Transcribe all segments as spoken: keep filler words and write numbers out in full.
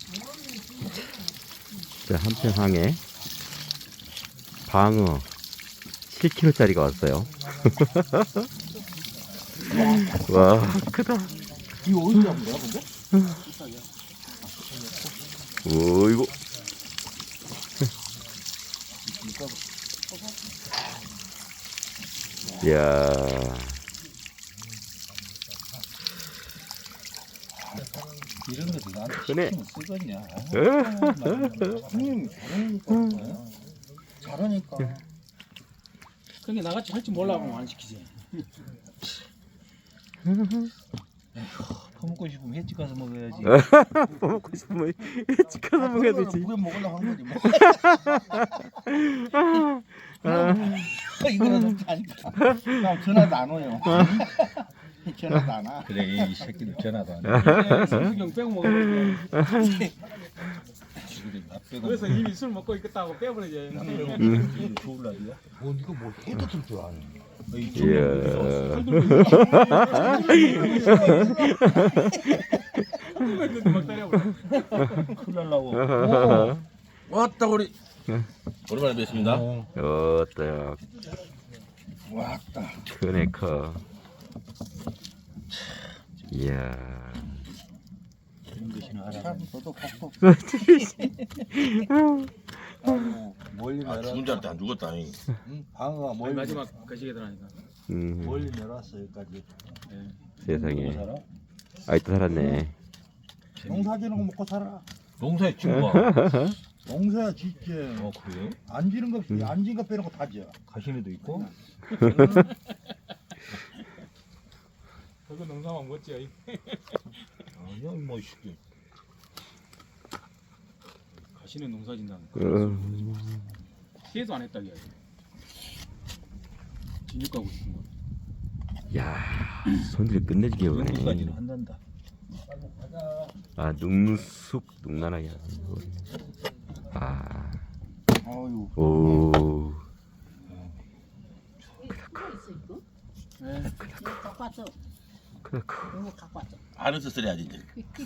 자, 한평항에 방어 칠 킬로그램짜리가 왔어요. 와, 크다. 이거 어디서 잡은 거야, 근데? 오, 이거. 이야. 이런 것도 나한테 크네. 시키면 쓰겠냐. 형님 잘하니까. 잘하니까. 근데 나같이 할 줄 몰라고 안 시키지. 퍼먹고 싶으면 횟집 가서 먹어야지. 먹고 싶으면 집 가서 먹어야 되지. 무게 먹으려고 한 거지 뭐. 아, 이거는 좀 다니까. 나 전화도 안 와요. 전화도 안 와. 그래 이 새끼들 전화도 안 와. 성수경 빼고 먹으면 나 빼고 그래서 이미 술 먹고 있겠다고 빼버리지. 음. 좋을라디야? 뭐 이거 뭐 해도 줄 아네. 이야. 막 때려버려. 큰일 날라고. 왔다 우리 오랜만에 뵙습니다. 어때요? 왔다. 크네, 커. 이야. 이런 것이나 알아. 참 너도 복도. 멀리 아 죽은 줄 알았다 안 죽었다. 잉. 응? 방어가 거의 멀리 마지막 거시기 들어가니까. 음, 멀리 내려왔어 여기까지. 세상에. 살아? 아이또 살았네. 농사 지는 거 먹고 살아. 농사에 친구가. 농사야 짓지. 어 그래요? 안 지는 거 없이 안 지는 거 빼놓고 다 지어. 가시네도 있고. 그거 농사만 멋지야. 아니야 뭐 시기. 가시는 농사 진다는 거. 어, 피해도 안 했다 이야기. 진육 가고 싶은 거. 야, 손질이 끝내주게 여기까지는 오네. 한단다. 아, 능숙, 능란하게. 아, 아유. 오. 네. 갖고 왔어. 크다, 커. 이거 갖고 왔어. 알아서 써야지 이제.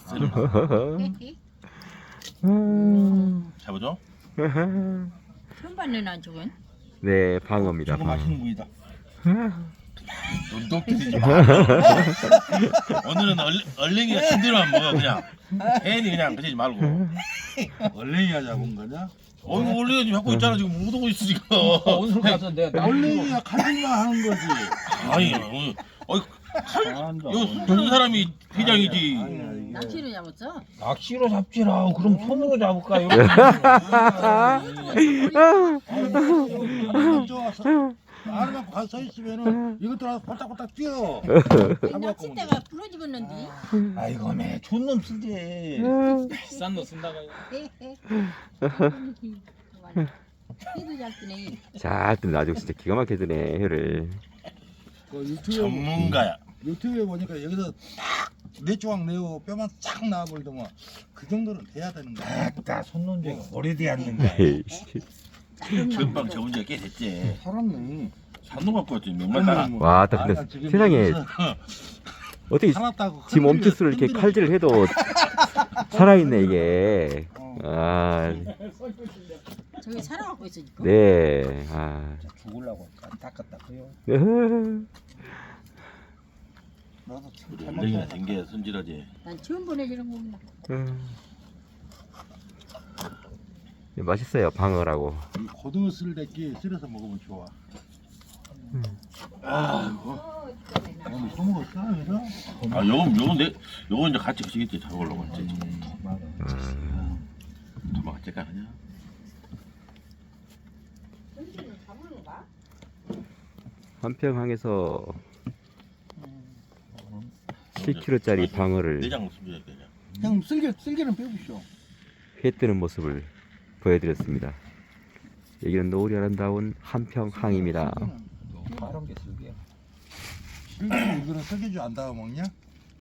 잡아줘. 처음 봤네 난 저건. 네, 방어입니다. 저거 방어. 맛있는 부위다. 눈독 들이지 마. 오늘은 얼, 얼랭이가 신대로만 먹어 그냥. 괜히 그냥 그러지 말고. 얼랭이가 잡은 거냐? 어이구 얼랭이가 지금 갖고 있잖아 지금 못 오고 있으니까. 오늘 가서 내가 얼랭이가 칼질만 하는 거지. 아니 어이 어이 잘한다. 이거 숨기는 사람이 회장이지. 아니야, 이게. 낚시를 잡았어. 낚시로 잡지라. 그럼 손으로 잡을까? 이거 좋아서 알만 가서 서 있으면은 이것들 와서 바짝바짝 뛰어. 낚싯대가 부러지겠는데. 아이고 매 존놈 쓰지. 비싼 거 쓴다가. 해도 잘 뜨네. 잘 뜨네. 아주 진짜 기가 막히게 드네, 혀를. 그 유튜브에, 전문가야. 유튜브에 보니까 여기서 딱네 조각 내고 뼈만 싹 나와버리더만 그 정도는 돼야 되는 거야. 다 손논쟁이 오래되었는데. 전방 접은 지가 꽤 됐지. 살았네. 산동 갖고 왔지 몇만 따라. 와, 딱 근데 세상에 어떻게 살았다고. 지금 엄지수를 이렇게 칼질을 해도 살아있네, 이게. 어. 아, 저기 살아갖고 있어 지금. 네. 아. 죽으려고 닦았다 그요. 나도 참 우리 잘 얼랭이가 먹다. 된 게 손질하지. 난 처음 보내주는 거구나. 음. 맛있어요, 방어라고. 이 고등어 쓸데기 쓸어서 먹으면 좋아. 아이고. 오늘 소먹었어 그래서? 아 요건 요건 내 요건 이제 같이 가시겠지 잡으려고 했지 지금. 음. 도망 같이 가느냐? 한평항에서 칠 킬로그램짜리 방어를 내장 손질해야 되냐? 형 쓸개 쓸개는 빼보시오. 회 뜨는 모습을 보여드렸습니다. 여기는 노을이 아름다운 한평항입니다. 빠른 게 쓸개. 쓸개 이거는 쓸개주 안 담아 먹냐?